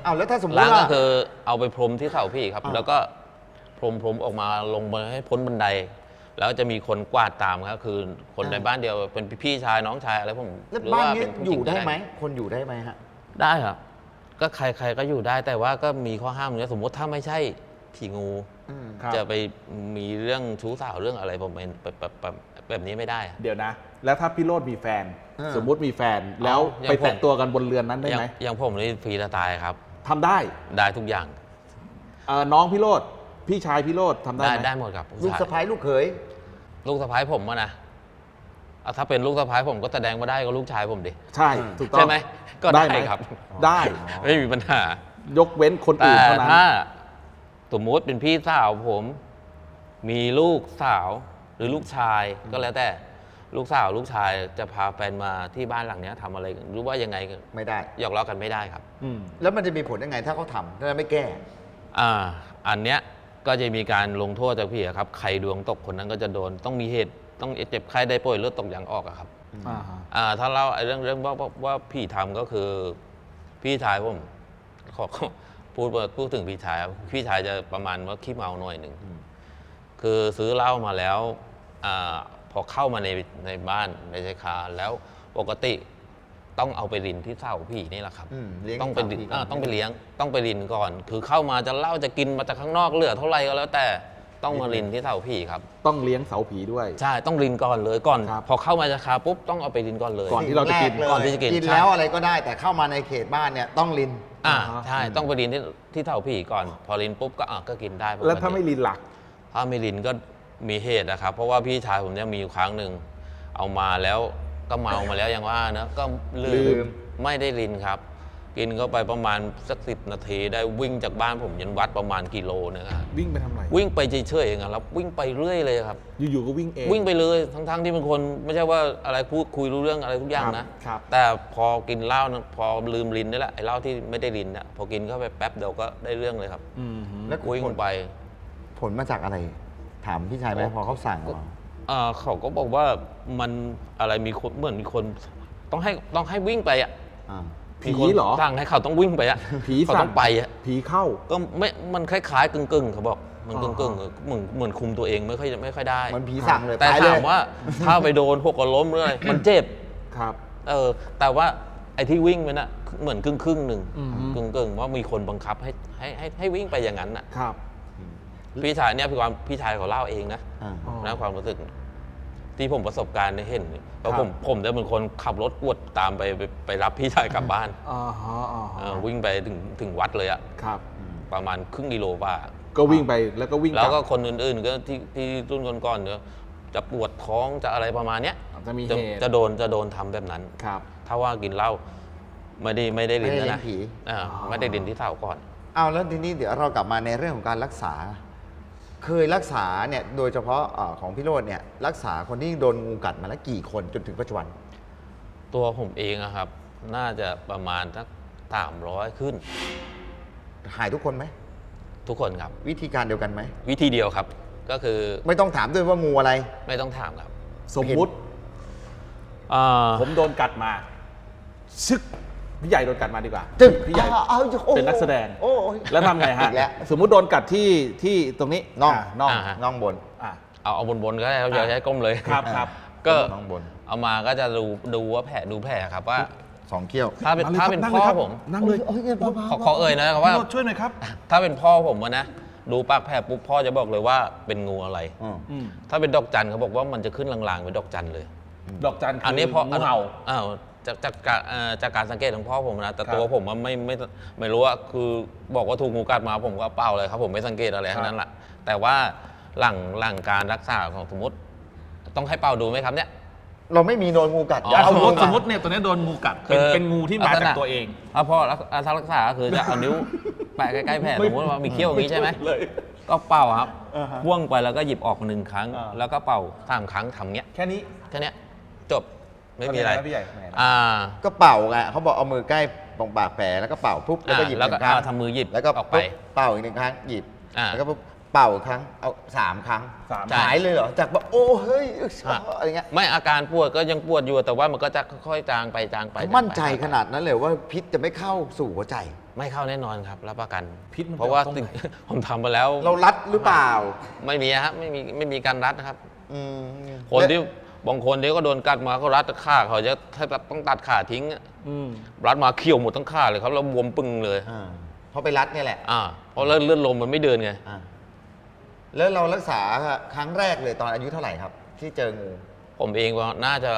เอาแล้วถ้าสมมติล้างก็ว่าคือเอาไปพรมที่เสาพี่ครับ แล้วก็พรมออกมาลงมาให้พ้นบันได แล้วจะมีคนกวาดตามครับคือคนในบ้านเดียวเป็นพี่ชายน้องชายอะไรผมแล้วหรือบ้านว่านี้เป็นผู้อหญิยู่งได้ก็ไหมคนอยู่ได้ไหมฮะได้ครับ ก็ใครก็อยู่ได้แต่ว่าก็มีข้อห้ามเนี่ยสมมติถ้าไม่ใช่ผีงูครับจะไปมีเรื่องชู้สาวเรื่องอะไรผมเป็นแบบนี้ไม่ได้อะเดี๋ยวนะ แล้วถ้าพี่โรดมีแฟนอ่าสมมุติมีแฟนแล้วอย่างไปผมแตะตัวกันบนเรือนนั้นได้ไหมอย่างผมนี่ฟรีสไตล์ครับทำได้ได้ทุกอย่างน้องพี่โรดพี่ชายพี่โรดทำได้ได้ไหมได้หมดครับลูกสะผู้ชายใภ้ลูกเขยลูกสะพ้ายผมอะนะเอาถ้าเป็นลูกสะพ้ายผมก็แสดงว่าได้ก็ลูกชายผมดิใช่ถูกต้องใช่ไหมก็ได้หมครับได้ไม่มีปัญหายกเว้นคนแต่อื่นเท่านั้นถ้าสมมติเป็นพี่สาวผม มีลูกสาวหรือลูกชายก็แล้วแต่ลูกสาวลูกชายจะพาแฟนมาที่บ้านหลังเนี้ยทำอะไรหรือว่ายังไงไม่ได้หยอกล้อกันไม่ได้ครับแล้วมันจะมีผลยังไงถ้าเขาทำถ้าไม่แก้อันเนี้ยก็จะมีการลงโทษจากพี่อะครับใครดวงตกคนนั้นก็จะโดนต้องมีเหตุต้องเจ็บไข้ได้ป่วยเลือดตกยางออกอะครับอ่าฮะถ้าเล่าไอ้เรื่องว่าพี่ทำก็คือพี่ชายผมขอพูดถึงพี่ชายครับพี่ชายจะประมาณว่าขี้เมาหน่อยหนึ่งคือซื้อเหล้ามาแล้วพอเข้ามาในบ้านในชายคาแล้วปกติต้องเอาไปรินที่เสาพี่นี่แหละครับเลี้ยงต้องไปเสาพี่ก่อนต้องไปเลี้ยงต้องไปรินก่อน คือเข้ามาจะเหล้าจะกินมาจากข้างนอกเหลือเท่าไหร่ก็แล้วแต่ต้องมารินที่เสาพี่ครับต้องเลี้ยงเสาผีด้วยใช่ต้องรินก่อนเลยก่อนครับพอเข้ามาชายคาปุ๊บต้องเอาไปรินก่อนเลยก่อนที่เราจะกินสิ่งแรกเลยก่อนที่จะกินกินใช่แล้วอะไรก็ได้แต่เข้ามาในเขตบ้านเนี่ยต้องลินใช่ต้องไปรินที่เสาพี่ก่อน พอรินปุ๊บก็กินได้ปกติแล้วถ้าไม่ลินหลักถ้าไม่รินก็มีเหตุนะครับ เพราะว่าพี่ชายผมเนี่ยมีอยู่ครั้งหนึ่งเอามาแล้วก็เมามาแล้วอย่างว่านะก็ลืลืมมไม่ได้รินครับ กินเข้าไปประมาณสัก10 นาทีได้วิ่งจากบ้านผมยันวัดประมาณกิโลนึงครับวิ่งไปทำอะไรวิ่งไปเฉยๆเองครับวิ่งไปเรื่อยเลยครับอยู่ๆก็วิ่งเองวิ่งไปเลยทั้งๆที่เป็นคนไม่ใช่ว่าอะไรพูดคุยรู้เรื่องอะไรทุกอย่างนะครับ แต่พอกินเหล้านะพอลืมรินนี่แหละไอ้เหล้าที่ไม่ได้รินเนี่ยพอกินเข้าไปแป๊บเดียวก็ได้เรื่องเลยครับแล้ววิ่งไปผลมาจากอะไร ถามพี่ชายไหมพอเขาสั่งมาเขาก็บอกว่ามันอะไรมีคนเหมือนมีคนต้องให้วิ่งไปอ่ะอ่าผีมีคนเหรอสั่งให้เขาต้องวิ่งไปอ่ะผีเขาสั่ต้องไปอ่ะผีเข้าก็ไม่มันคล้ายๆกึ่งๆเขาบอกมันอ๋กึ่องๆเหมือนคุมตัวเองไม่ค่อยได้เหมือนผีสั่งเลยแต่ไปเลถาย มว่าถ้าไปโดนพวกก็ล้มหรืออะไรมันเจ็บครับแต่ว่าไอ้ที่วิ่งไปน่ะเหมือนครึ่งหนึ่งอืมกึ่งว่ามีคนบังคับให้วิ่งไปอย่างนั้นน่ะครับพี่ชายเนี่ยพี่ชายเขาเล่าเองนะอ่าอ๋อนะความรู้สึกที่ผมประสบการณ์ได้เห็นเพราะครับผมจะเป็นคนขับรถกวดตามไปรับพี่ชายกลับบ้านอ่าฮะอ่าฮะวิ่งไปถึงวัดเลยอะครับประมาณครึ่งกิโลว่าก็วิ่งไปแล้วก็วิ่งแล้วกก็ลับคนอื่นๆก็ที่รุ่นก่อนๆเนี่ยจะปวดท้องจะอะไรประมาณเนี้ยจะมีเหจะตุจะโดนทำแบบนั้นครับถ้าว่ากินเหล้าไม่ได้ไม่ได้ลิ้นเลี้ยนะงผีไม่ได้ลิ้นที่เท้าก่อนเอาแล้วทีนี้เดี๋ยวเรากลับมาในเรื่องของการรักษา เคยรักษาเนี่ยโดยเฉพาะของพี่โรจน์เนี่ยรักษาคนที่โดนงูกัดมาแล้วกี่คนจนถึงปัจจุบันตัวผมเองอะครับ น่าจะประมาณสัก300ขึ้นหายทุกคนไหมทุกคนครับวิธีการเดียวกันไหมวิธีเดียวครับ ก็คือไม่ต้องถามด้วยว่างูอะไรไม่ต้องถามครับสมมุติ ผมโดนกัดมาชึกพี่ใหญ่โดนกัดมาดีกว่าจึ๊กพี่ใหญ่เอาโอ้เป็นนักแสดงโอ้ยแล้วทำไงฮะอีกแล้วสมมุติโดนกัดที่ตรงนี้น่องน่องอ่าน่องบนอ่ะเอาบนก็ได้ครับอย่าใช้ก้มเลยครับก็น่องบนเอามาก็จะดูว่าดูแผลครับว่า 2 เขี้ยวถ้าเป็นมาลยพ่คอรับผมนั่งเลยโอ้ยเบาๆขอเอ่ยนะครับว่าพี่โรจน์ช่วยหน่อยครับถ้าเป็นพ่อผมอะนะดูปากแผลปุ๊บพ่อจะบอกเลยว่าเป็นงูอะไรอืมถ้าเป็นดอกจันเขาบอกว่ามันจะขึ้นลางๆเป็นดอกจันเลยดอกจันคือันนี้พ่องูเห่าจากการสังเกตของพ่อผมนะแต่ครับตัวผมไม่รู้ว่าคือบอกว่าถูกงูกัดมาผมก็เปล่าเลยครับ ผมไม่สังเกตอะไรทั้งนั้นแหละแต่ว่าหลังการรักษาของสมมติ ต้องให้เป่าดูไหมครับเนี่ยเราไม่มีโดนงูกัดอ๋อสมมติเอสมมติเนี่ยตัวนี้โดนงูกัดเป็นงูที่มาจากตัวเองถ้าพ่อถ้ารักษาก็คือจะเอานิ้วแปะใกล้ๆแผลสมมติว่ามีเขี้ยวอย่างนี้ใช่ไหมเลยก็เป่าครับอ่าฮะพ่วงไปแล้วก็หยิบออก1 ครั้งอ่าแล้วก็เป่า3 ครั้งทำเงี้ยแค่นี้แค่เนี้ยจบไม่มีอะไรทำงนนพี่ใหญ่ทำไงนะก็เป่าไงเขาบอกเอามือใกล้ตรงปากแผลแล้วก็เป่าปุ๊บแล้วก็หยิบแล้วก็ 1 ครั้งทำมือหยิบแล้วก็ออกไปปุ๊บเป่าอีก1 ครั้งหยิบอ่าแล้วก็ปุ๊บเป่าอีกครั้งเอา3 ครั้งสามใช่หายเลยเหรอจากแบบโอ้เฮ้ยอะไรเงี้ยไม่อาการปวดก็ยังปวดอยู่แต่ว่ามันก็จะค่อยๆจางไปมั่นใจขนาดนั้นเลยว่าพิษจะไม่เข้าสู่หัวใจไม่เข้าแน่นอนครับรับประกันพิษมันเพราะว่าจะออกตรงไหนผมทำไปแล้วเรารัดหรือเปล่าไม่มีครับไม่มีการรัดนะครับอืมคนที่บางคนที่ก็โดนกัดมาก็รัดขาเขาจะถ้าต้องตัดขาทิ้งอะอืมรัดมาเขี่ยวหมดทั้งขาเลยครับแล้วบวมปึงเลยเพราะไปรัดเนี่ยแหละเพราะเลือดลมมันไม่เดินไงอ่าแล้วเรารักษาครั้งแรกเลยตอนอายุเท่าไหร่ครับ ที่เจองูผมเองว่าน่าจะ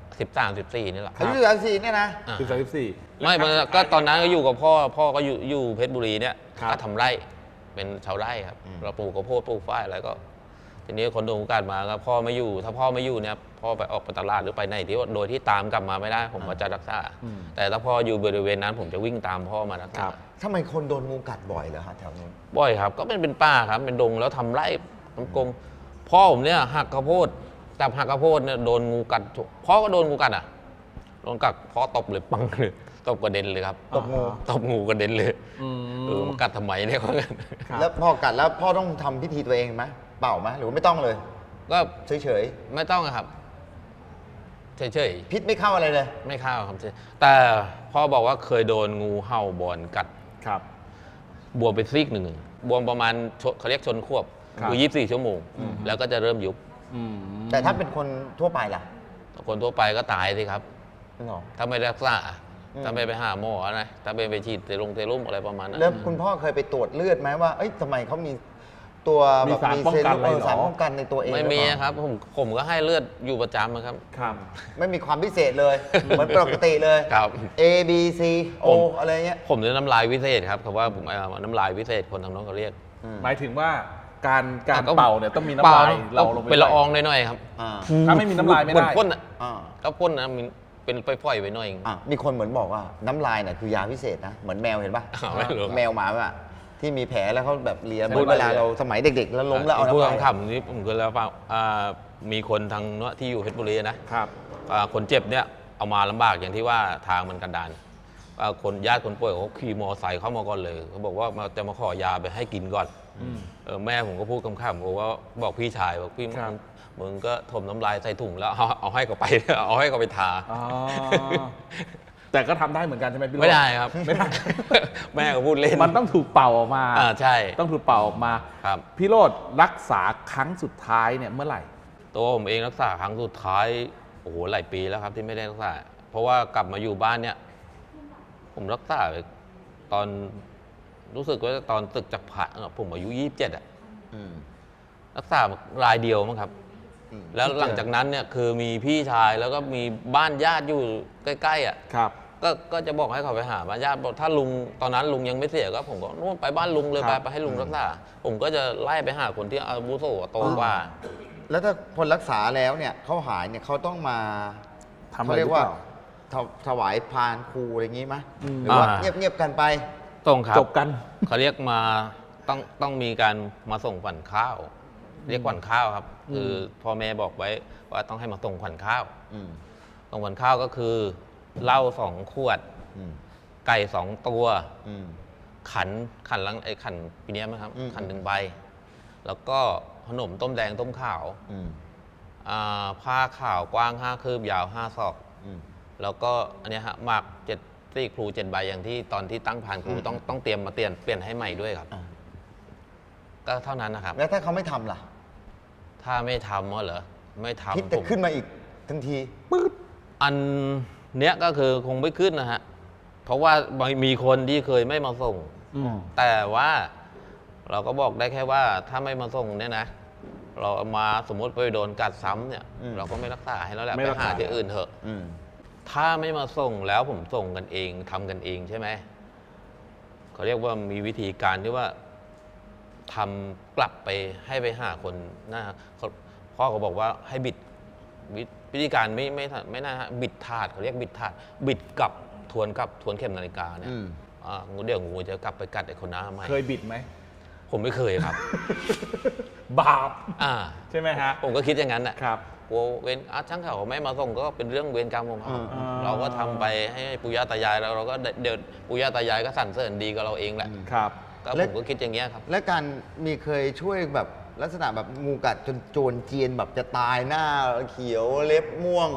13 14นี่แหละอายุ34เนี่ยนะอ่า 14 ไม่มันก็ตอนนั้นก็อยู่กับพ่อก็อยู่เพชรบุรีเนี่ยครับก็ทำไร่เป็นชาวไร่ครับอืมเราปลูกข้าวโพดปลูกฝ้ายอะไรก็ ทีนี้คนโดนกัดมาก็พ่อไม่อยู่ ถ้าพ่อไม่อยู่เนี่ยพ่อไปออกไปตลาดหรือไปไหนที่ว่าโดยที่ตามกลับมาไม่ได้ ผมก็จะรักษา แต่ถ้าพ่ออยู่บริเวณนั้น ผมจะวิ่งตามพ่อมารักคษารับทำไมคนโดนงูกัดบ่อยเหรอฮะแถวนู้นบ่อยครับ ก็เป็นป่าครับเป็นดงแล้วทำไร่ทำกงพ่อผมเนี่ยหักข้าวโพดจับหักข้าวโพดเนี่ยโดนงูกัดพ่อก็โดนงูกัดอ่ะโดนกัดพ่อตบเลยปังเลยตบกระเด็นเลยครับตบงูตบงูกระเด็นเลยอืมมันกัดทำไมเนี่ยเขากันครับแล้วพอกัดแล้วพ่อต้องทำพิธีตัวเองไหมเป่าไหมหรือว่าไม่ต้องเลยก็เฉยไม่ต้องอะครับเฉยๆพิษไม่เข้าอะไรเลยๆไม่เข้าครับแต่พ่อบอกว่าเคยโดนงูเห่าบอนกัดครับบวมไปซีกหนึ่งบวมประมาณเขาเรียกชนควบครับคือ24 ชั่วโมง แล้วก็จะเริ่มยุบอืมแต่ถ้าเป็นคนทั่วไปล่ะคนทั่วไปก็ตายสิครับหรอถ้าไม่รักษาอืมถ้าไม่ไปหาหมอนะถ้าไปฉีดเซรุ่มอะไรประมาณนั้นแล้วคุณพ่อเคยไปตรวจเลือดไหมว่า เอ้ยทำไมเขามีตัวมีแบบสารป้องกันอะไรเหรอสารป้องกันในตัวเองไม่มีหอเปล่าครับผมก็ให้เลือดอยู่ประจำนะครับครับไม่มีความพิเศษเลย เหมือนปกติเลยครับ A B C O ผมอะไรเงี้ยผมจะน้ำลายวิเศษครับคำว่าผมน้ำลายวิเศษคนทางโน้นเขาเรียกหมายถึงว่าการก็เป่าเนี่ยต้องมีน้ำลายเราลงไปเป็นละอองด้วยหน่อยๆครับอ่าถ้าไม่มีน้ำลายไม่เหมือได้นพ่นอ่ะอ่าก็พ่นนะมีเป็นปล่อยๆไว้หน่อยมีคนเหมือนบอกว่าน้ำลายเนี่ยคือยาพิเศษนะ เหมือนแมวเห็นปะไม่รู้แมวหมาอะที่มีแผลแล้วเขาแบบเลียใช่เหมือนเวลาเราสมัยเด็กๆ แล้วล้มแล้วเอาพูดน้ำลายคำๆนี้ผมก็แล้วว่ามีคนทางโน้นที่อยู่เพชรบุรีนะครับ คนเจ็บเนี่ยเอามาลำบากอย่างที่ว่าทางมันกันดารคนญาติคนป่วยเขาขี่มอไซค์เข้ามาก่อนเลยเขาบอกว่าจะมาขอยาไปให้กินก่อนแม่ผมก็พูดคำๆบอกว่าบอกพี่ชายบอกพี่ครับมึงก็ถมน้ำลายใส่ถุงแล้วเอาให้เขาไป เอาให้เขาไปทาอ๋อแต่ก็ทำได้เหมือนกันใช่ไหมพี่โรจน์ไม่ได้ครับไม่ได้แม่ก็พูดเล่นมันต้องถูกเป่าออกมาใช่ต้องถูกเป่าออกมาครับพี่โรดรักษาครั้งสุดท้ายเนี่ยเมื่อไหร่ตัวผมเองรักษาครั้งสุดท้ายโอ้โหหลายปีแล้วครับที่ไม่ได้รักษา เพราะว่ากลับมาอยู่บ้านเนี่ย ผมรักษาไปตอนรู้สึกว่าตอนตึกจากผ่าผมอายุ27อ่ะอืมรักษารายเดียวมั้งครับอืมแล้วหลังจากนั้นเนี่ยคือมีพี่ชายแล้วก็มีบ้านญาติอยู่ใกล้ๆอ่ะครับก็จะบอกให้เขาไปหาบ้านญาติบอกถ้าลุงตอนนั้นลุงยังไม่เสียก็ผมก็นู่นไปบ้านลุงเลยครับไปให้ลุงรักษา ผมก็จะไล่ไปหาคนที่อาวุโสโตกว่าแล้วถ้าคนรักษาแล้วเนี่ยเขาหายเนี่ยเขาต้องมาทำอะเขาไรเรีหยรืกอว่าเปล่าถวายพานครูอะไรอย่างงี้ไหมอืมหรือว่าอ่าเงียบๆกันไปตรงครับจบกันเขาเรียกมาต้องมีการมาส่งขวัญข้าว เรียกขวัญข้าวครับ คือพ่อแม่บอกไว้ว่าต้องให้มาส่งขวัญข้าวอืมส่งขวัญข้าวก็คือเหล้า2 ขวดอืมไก่ 2 ตัวอืมขันลังไอ้ขันปีเนี้ยมั้งครับอืมขัน1 ใบ แล้วก็ขนมต้มแดงต้มขาวอืมผ้าขาวกว้าง5 คืบยาว5 ศอกอืมแล้วก็อันเนี้ยฮะหมาก7ซี่ครู7 ใบอย่างที่ตอนที่ตั้งผ่านครูอืมต้องเตรียมมาเปลี่ยนให้ใหม่ด้วยครับอ่าก็เท่านั้นนะครับแล้วถ้าเขาไม่ทำล่ะถ้าไม่ทำก็เหรอไม่ทำพิษจะผมขึ้นมาอีกทันทีอันเนี้ยก็คือคงไม่ขึ้นนะฮะ เพราะว่ามีคนที่เคยไม่มาส่งอืมแต่ว่าเราก็บอกได้แค่ว่าถ้าไม่มาส่งเนี่ยนะ เราเอามาสมมติไปโดนกัดซ้ำเนี่ยอืมเราก็ไม่รักษาให้แล้วแหละไม่ไปรักษาหาที่อื่นเถอะอืมถ้าไม่มาส่งแล้วผมส่งกันเองทำกันเองใช่ไหมเขาเรียกว่ามีวิธีการที่ว่าทำกลับไปให้ไปหาคนหน้าพ่อเขาบอกว่าให้บิดวิธีการไม่น่าฮะบิดถาดเขาเรียกบิดถาดบิดกลับทวนเข็มนาฬิกาเนี่ยอืมงูเดี๋ยวงูจะกลับไปกัดไอ้คนหน้าใหม่เคยบิดไหมผมไม่เคยครับบาปอ่าใช่ไหมฮะผมก็คิดอย่างนั้นแหละครับกลัวเวรช่างเขาไม่มาส่งก็เป็นเรื่องเวรกรรมของเขาอืมเราก็ทำไปให้ปู่ย่าตายายแล้วเราก็เดี๋ยวปู่ย่าตายายก็สรรเสริญดีกับเราเองแหละครับก็แล้ผวมก็คิดอย่างเงี้ยครับและการมีเคยช่วยแบบลักษณะแบบงูกัดจนโจรเจียนแบบจะตายหน้าเขียวเล็บม่วง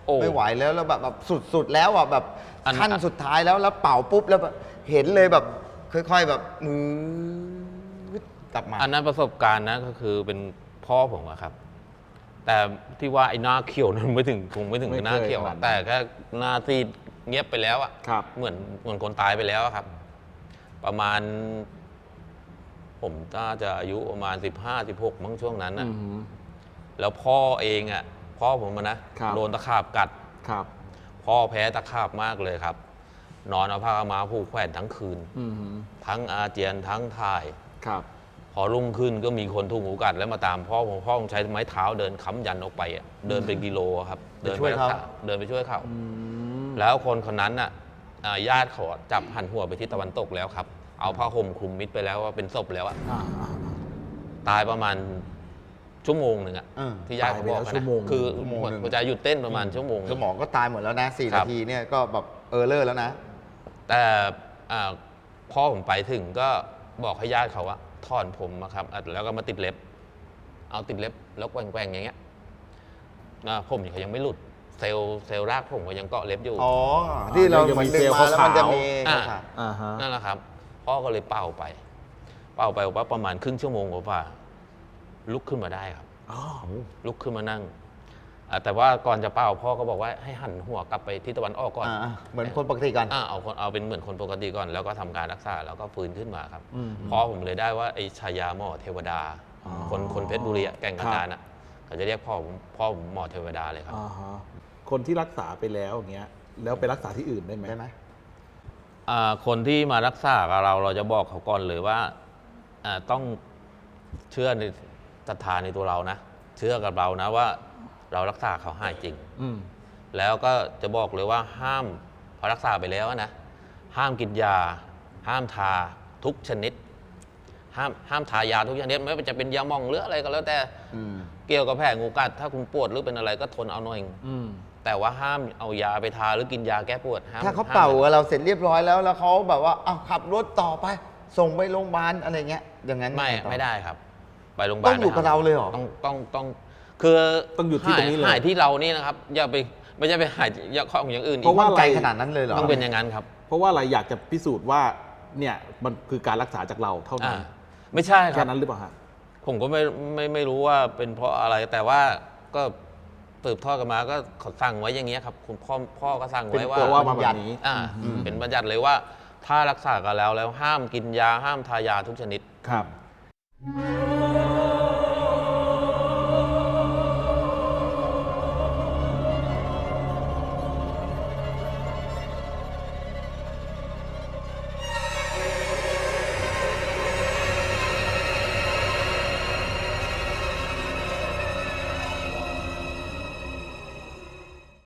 โอ้ไม่ไหวแล้วแบบสุดๆแล้วอ่ะแบบอันขั้นสุดท้ายแล้วเป่าปุ๊บแล้วแบบเห็นเลยแบบค่อยๆแบบมือกลับมาอันนั้นประสบการณ์นะก็คือเป็นพ่อผมอะครับ แต่ที่ว่าไอ้หน้าเขียวนั้นไม่ถึงคงไม่ถึงไม่เคยหน้าเขียวขนาอะดนั้นแต่แค่หน้าซีดเงียบไปแล้วอะครับเหมือนคนตายไปแล้วอะครับ ประมาณ ผมน่าจะอายุประมาณ15-16มั้งช่วงนั้นอือะอหือแล้วพ่อเองอะพ่อผมอะนะครับ โดนตะขาบกัดครับพ่อแพ้ตะขาบมากเลยครับ นอนเอาผ้าขาวมาผูกแขวนทั้งคืนอือหือทั้งอาเจียนทั้งถ่ายครับพอรุ่งขึ้นก็มีคนถูกงูกัดแล้วมาตามพ่อผมใช้ไม้เท้าเดินค้ำยันออกไปอะเดินเป็นกิโลอะครับเดินไปช่วยเขารักษเดินไปช่วยเขาอืมแล้วคนนั้นน่ะญาติเขาจับหันหัวไปทิศตะวันตกแล้วครับ เอาผ้าห่มคลุมมิดไปแล้วว่าเป็นศพแล้วอะอ่าตายประมาณชั่วโมงหนึ่งอะอืมที่ญาติเขาบอกตายไปแล้วชั่วโมงคือชั่วโมงหนึ่งหัวใจหยุดเต้นประมาณชั่วโมงสมองก็ตายหมดแล้วนะ4 ครันาบทีเนี่ยก็แบบเลอร์แล้วนะแต่พ่อผมไปถึงก็บอกให้ญาติเขาว่าถอนผมอะครับแล้วก็มาติดเล็บ เอาติดเล็บแล้วแกว่งๆอย่างเงี้ยผมเขายังไม่หลุดเซลล์รากผมก็ยังเกาะเล็บอยู่อ๋อ ที่เรายังเหมืมีอนดึงเซลล์มาแล้วมันจะขาวๆมีอ่าขาวอ่าฮะนั่นแหละครับ พ่อก็เลยเป่าไปว่าประมาณครึ่งชั่วโมงกว่าๆลุกขึ้นมาได้ครับอ๋อลุกขึ้นมานั่งแต่ว่าก่อนจะเป่าพ่อก็บอกว่าให้หันหัวกลับไปทิศตะวันออกก่อนเหมือนคนปกติกันเอาเป็นเหมือนคนปกติก่อน แล้วก็ทำการรักษาแล้วก็ฟื้นขึ้นมาครับอืมพ่อผมเลยได้ว่าไอ้ชายาหมอเทวดาอ๋อคนเพชรบุรีอะแก่งกระครับจานอ่ะเขาจะเรียกพ่อผมหมอเทวดาเลยครับอ่าฮะคนที่รักษาไปแล้วอย่างเงี้ย แล้วไปรักษาที่อื่นได้ไหมได้ไหมคนที่มารักษากับเราจะบอกเขาก่อนเลยว่าต้องเชื่อในศรัทธาในตัวเรานะ เชื่อกับเรานะว่าเรารักษาเขาหายจริงอืมแล้วก็จะบอกเลยว่าห้ามพอรักษาไปแล้วนะห้ามกินยา ห้ามทาทุกชนิด ห้ามทายาทุกชนิดไม่ว่าจะเป็นยาหม่องหรืออะไรก็แล้วแต่อืมเกี่ยวกับแผลงูกัดถ้าคุณปวดหรือเป็นอะไรก็ทนเอาหน่อยอืมแต่ว่าห้ามเอายาไปทาหรือกินยาแก้ปวดห้ามถ้าเขาห้มเป่าเราเสร็จเรียบร้อยแล้วเขาแบบว่าเอาขับรถต่อไป ส่งไปโรงพยาบาลอะไรเงี้ย อย่างนั้นไม่ต่ไม่ได้ครับ ไปโรงพยาบาลต้องอยู่กับเราเลยเหรอต้องคือต้องอยู่ที่ตรงนี้เลยหายที่เรานี่นะครับอย่าไปไม่ใช่ไปหายของอย่างอื่นอีเพราะกว่าไกลขนาดนั้นเลยเหรอต้องเป็นอย่างนั้นครับเพราะว่าอะไรอยากจะพิสูจน์ว่าเนี่ยมันคือการรักษาจากเราเท่านั้นไม่ใช่คแค่รับนั้นหรือเปล่าฮะผมก็ไม่รู้ว่าเป็นเพราะอะไรแต่ว่าก็สืบทอดกันมาก็เขาสั่งไว้อย่างเงี้ยครับคุณพ่อก็สั่งไว้เป็นว่าตัวว่ามาแบบนี้เป็นบัญญัติเลยว่าถ้ารักษากันแล้วห้ามกินยาห้ามทายาทุกชนิดครับ